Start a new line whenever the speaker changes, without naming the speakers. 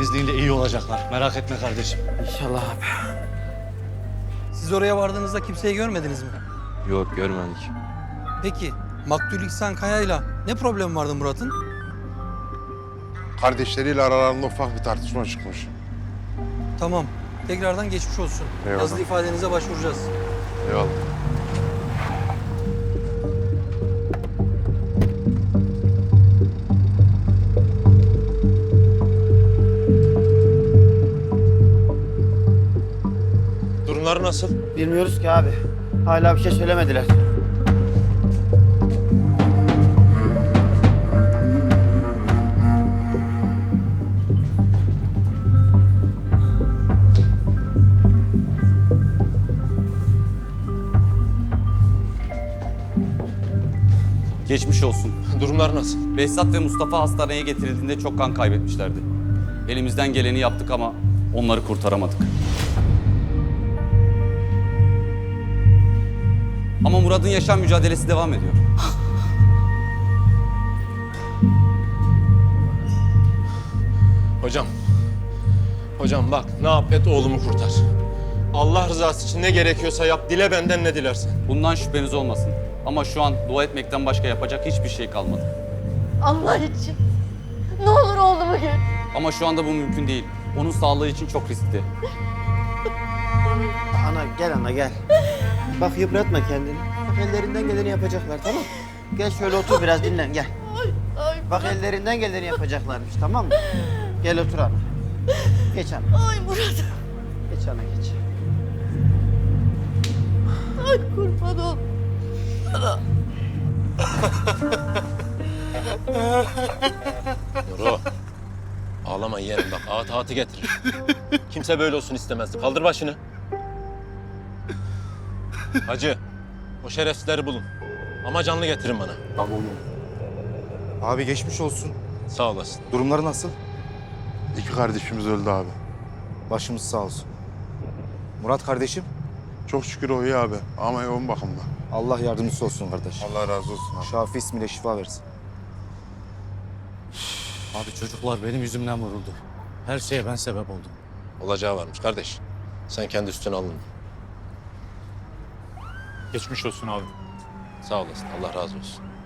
izniyle iyi olacaklar. Merak etme kardeşim.
İnşallah abi.
Siz oraya vardığınızda kimseyi görmediniz mi?
Yok görmedik.
Peki Maktul İhsan Kaya'yla ne problem vardı Murat'ın?
Kardeşleriyle aralarında ufak bir tartışma çıkmış.
Tamam. Tekrardan geçmiş olsun.
Eyvallah.
Yazılı ifadenize başvuracağız.
Eyvallah.
Durumları nasıl?
Bilmiyoruz ki abi. Hala bir şey söylemediler.
Geçmiş olsun.
Durumları nasıl?
Behzat ve Mustafa hastaneye getirildiğinde çok kan kaybetmişlerdi. Elimizden geleni yaptık ama onları kurtaramadık. Ama Murat'ın yaşam mücadelesi devam ediyor.
Hocam bak ne yap et oğlumu kurtar. Allah rızası için ne gerekiyorsa yap, dile benden ne dilersen.
Bundan şüpheniz olmasın. Ama şu an dua etmekten başka yapacak hiçbir şey kalmadı.
Allah için. Ne olur oğlumu gör.
Ama şu anda bu mümkün değil. Onun sağlığı için çok riskli.
Ana gel ana gel. Bak yıpratma kendini. Bak ellerinden geleni yapacaklar tamam mı? Gel şöyle otur biraz dinlen gel. Bak ellerinden geleni yapacaklarmış tamam mı? Gel otur ana. Geç ana.
Ay Murat.
Geç ana geç.
Ay kurban ol.
Nuro, ağlama yeğenim bak ağıtı getirir. Kimse böyle olsun istemezdi. Kaldır başını. Hacı, o şerefsizleri bulun. Ama canlı getirin bana.
Tamam. Abi geçmiş olsun.
Sağ olasın.
Durumları nasıl?
İki kardeşimiz öldü abi.
Başımız sağ olsun. Murat kardeşim,
Çok şükür o iyi abi ama yoğun bakımda.
Allah yardımcısı olsun kardeş.
Allah razı olsun abi.
Şafi ismiyle şifa versin.
Abi çocuklar benim yüzümden vuruldu. Her şeye ben sebep oldum.
Olacağı varmış kardeş. Sen kendi üstüne alın.
Geçmiş olsun abi.
Sağ olasın. Allah razı olsun.